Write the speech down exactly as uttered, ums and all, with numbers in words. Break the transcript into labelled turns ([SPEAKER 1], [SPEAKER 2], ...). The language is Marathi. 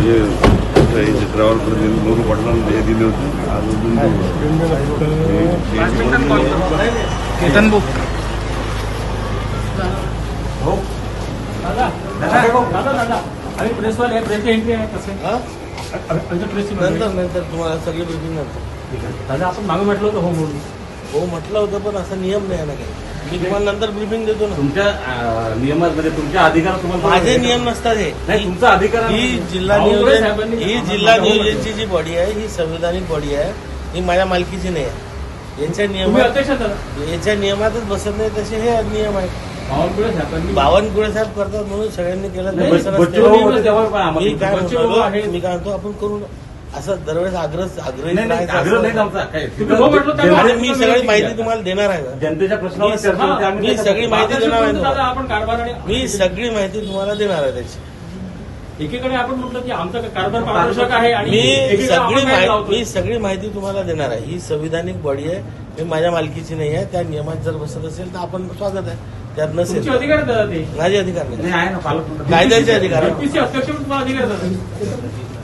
[SPEAKER 1] हे चित्रावर प्रतिनिधी मोरू पाटलांना हे दिले होते. आज अजून
[SPEAKER 2] केतन भाऊ
[SPEAKER 3] हो दादा दादा दादा आणि प्रेसवाले प्रेसची एंट्री आहे कसं
[SPEAKER 2] नंतर नंतर तुम्हाला सगळी ब्रिफिंग नंतर.
[SPEAKER 3] ठीक आहे दादा आपण मागे म्हटलं होतं हो म्हणून
[SPEAKER 2] हो म्हटलं होतं पण असा नियम नाही आहे ना काही. मी तुम्हाला नंतर ब्रिफिंग देतो ना.
[SPEAKER 4] तुमच्या नियमामध्ये तुमच्या अधिकार तुम्हाला
[SPEAKER 2] माझे नियम नसतात हे.
[SPEAKER 4] नाही तुमचा अधिकार
[SPEAKER 2] ही जिल्हा नियोजन ही जिल्हा नियोजनची जी बॉडी आहे ही संविधानिक बॉडी आहे. ही माझ्या मालकीची नाही आहे. यांच्या
[SPEAKER 3] तुम्ही
[SPEAKER 2] नियमात
[SPEAKER 3] अध्यक्ष दादा
[SPEAKER 2] याच्या नियमातच बसत नाही तसे हे नियम आहेत.
[SPEAKER 3] बावनकुळे साहेबांनी
[SPEAKER 2] बावनकुळे साहेब करतात म्हणून सगळ्यांनी केलं
[SPEAKER 3] नाही,
[SPEAKER 2] तर बसत
[SPEAKER 4] बच्चू
[SPEAKER 2] नसते.
[SPEAKER 4] भाऊ होते तेव्हा पण आम्हाला-
[SPEAKER 2] मी काय
[SPEAKER 3] बच्चू भाऊ
[SPEAKER 2] म्हणतो
[SPEAKER 3] आहे.
[SPEAKER 2] मी काय म्हणतो आपण करू ना. असं दरवेळेस आग्रह आग्रही
[SPEAKER 4] नाही नाही
[SPEAKER 2] राहायचं
[SPEAKER 4] आग्रह नाही
[SPEAKER 2] असं.
[SPEAKER 4] आमचा काय
[SPEAKER 3] तुम्ही हो म्हटलं त्यामुळे
[SPEAKER 2] आणि
[SPEAKER 3] आपण
[SPEAKER 2] मी
[SPEAKER 3] तुम्ही
[SPEAKER 2] सगळी
[SPEAKER 3] ठीक
[SPEAKER 2] माहिती
[SPEAKER 3] आहे.
[SPEAKER 2] तुम्हाला देणार आहे का?
[SPEAKER 4] जनतेच्या प्रश्नावर
[SPEAKER 2] मी-
[SPEAKER 4] चर्चा होते. आम्ही
[SPEAKER 2] मी
[SPEAKER 4] त्याच्यात-
[SPEAKER 2] सगळी माहिती देणार आहे
[SPEAKER 3] दादा
[SPEAKER 2] तुम्हाला.
[SPEAKER 3] आपण कारभार आणि
[SPEAKER 2] मी सगळी माहिती तुम्हाला देणार आहे त्याची.
[SPEAKER 3] एकीकडे आपण म्हटलं की आमचा कारभार पारदर्शक आहे आणि
[SPEAKER 2] मी
[SPEAKER 3] एकीकडे आपण
[SPEAKER 2] सगळी
[SPEAKER 3] काय
[SPEAKER 2] माहिती
[SPEAKER 3] लावतोय?
[SPEAKER 2] मी सगळी माहिती तुम्हाला देणार आहे. ही संविधानिक बॉडी आहे. ही माझ्या मालकीची नाही आहे. त्या नियमात जर बसत असेल तर आपण स्वागत आहे. त्यात नसेल
[SPEAKER 3] तुमचे अधिकार आहेत दादा ते
[SPEAKER 2] माझे अधिकार नाही.
[SPEAKER 4] नाही आहे ना पालक
[SPEAKER 2] कायद्याचे अधिकार आहे.
[SPEAKER 3] एमपीसी अध्यक्ष म्हणून तुम्हाला अधिकार आहेत दादा.